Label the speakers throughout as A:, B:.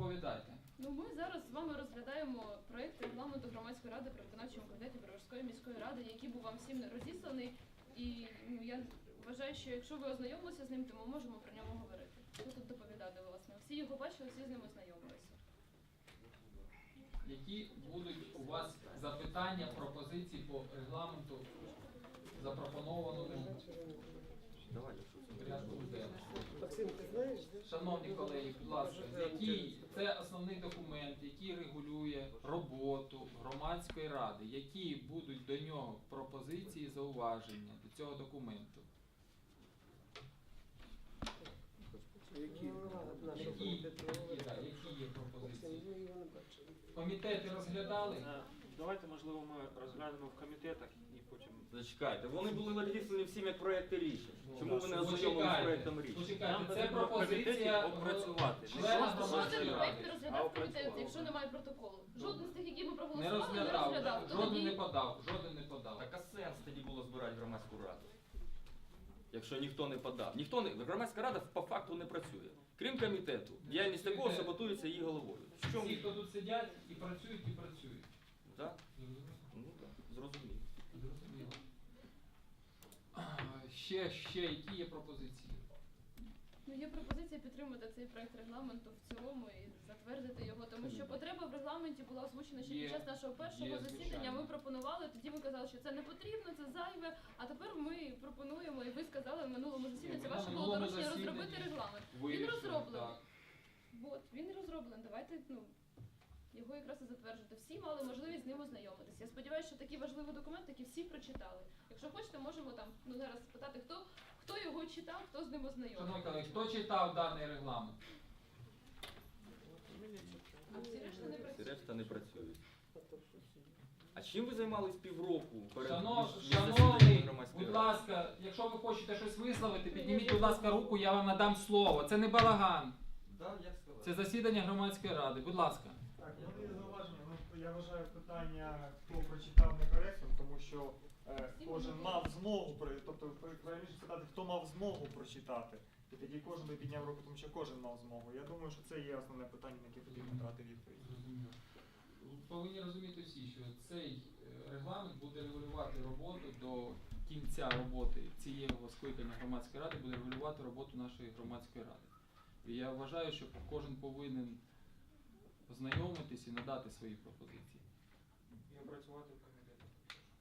A: доповідайте.
B: Ну, ми зараз з вами розглядаємо проєкт регламенту громадської ради при виконавчому комітеті Броварської міської ради, який був вам всім розісланий. І я вважаю, що якщо ви ознайомилися з ним, то ми можемо про нього говорити. Що тут доповідати, власне? Всі його бачили, всі з ним ознайомилися.
A: Які будуть у вас запитання, пропозиції по регламенту, запропонованому порядку денному?
C: Максим, ти знаєш, де?
A: Шановні колеги, будь ласка, це основний документ, який регулює роботу громадської ради. Які будуть до нього пропозиції, зауваження до цього документу?
C: Які?
A: Які є пропозиції? Комітети розглядали?
D: Давайте, можливо, ми розглянемо в комітетах і потім...
E: Зачекайте, вони були розіслані всім як проекти рішень. Чому ви не ознайомилися з проектом рішень?
A: Почекайте, це
D: потрібно в комітеті
A: пропозиція
D: опрацювати.
A: члена
B: Жоден
A: громадської
B: проєкт
A: ради.
B: не розглядав комітет, якщо немає протоколу. Жоден з тих, які ми
A: Не
B: проголосували, не
A: розглядав,
B: розглядав. То
A: жоден не
B: тоді-
A: подав, жоден не подав.
E: Так а сенс тоді було збирати громадську раду? Якщо ніхто не подав. Громадська рада по факту не працює. Крім комітету. Діяльність такого саботується її головою. В чому?
A: Всі, хто тут сидять і працюють.
E: Так? Ну так, зрозуміло.
A: Зрозуміло. Ще які є пропозиції?
B: Ну, є пропозиція підтримати цей проект регламенту в цілому і затвердити його, тому що потреба в регламенті була озвучена ще
A: Є.
B: під час нашого першого засідання.
A: Звичайно.
B: Ми пропонували, тоді ви казали, що це не потрібно, це зайве, а тепер ми пропонуємо, і ви сказали в минулому засіданні, це
A: Ми на
B: ваше було
A: минулому
B: доручення
A: засіданні
B: розробити регламент. Він
A: Вирішили,
B: розроблений.
A: так.
B: От, він розроблений. Давайте, його якраз і затверджувати. Всі мали можливість з ним ознайомитися. Я сподіваюся, що такий важливий документ, який всі прочитали. Якщо хочете, можемо там зараз спитати, хто його читав, хто з ним
A: Шановні
B: ознайомився.
A: колеги, хто читав даний регламент?
B: А всі решта не
E: Всі
B: працюють.
E: решта не працюють. А чим ви займались півроку перед
A: Шановний,
E: засіданням громадської
A: будь
E: ради?
A: ласка, якщо ви хочете щось висловити, підніміть, будь ласка, руку, я вам надам слово. Це не балаган.
E: Так, як сказати.
A: Це засідання громадської ради. Будь ласка.
F: Так, є зауваження. Я вважаю питання, хто прочитав некоректним, тому що кожен мав змогу, тобто правильніше питати, хто мав змогу прочитати. І тоді кожен би підняв руку, тому що кожен мав змогу. Я думаю, що це є основне питання, на яке потрібно дати відповідь.
A: Повинні розуміти всі, що цей регламент буде регулювати роботу до кінця роботи цього скликання громадської ради, буде регулювати роботу нашої громадської ради. І я вважаю, що кожен повинен ознайомитись і надати свої пропозиції.
D: І опрацювати в комітетах.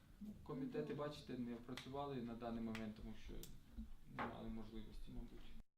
A: Комітети, бачите, не працювали на даний момент, тому що не мали можливості, мабуть.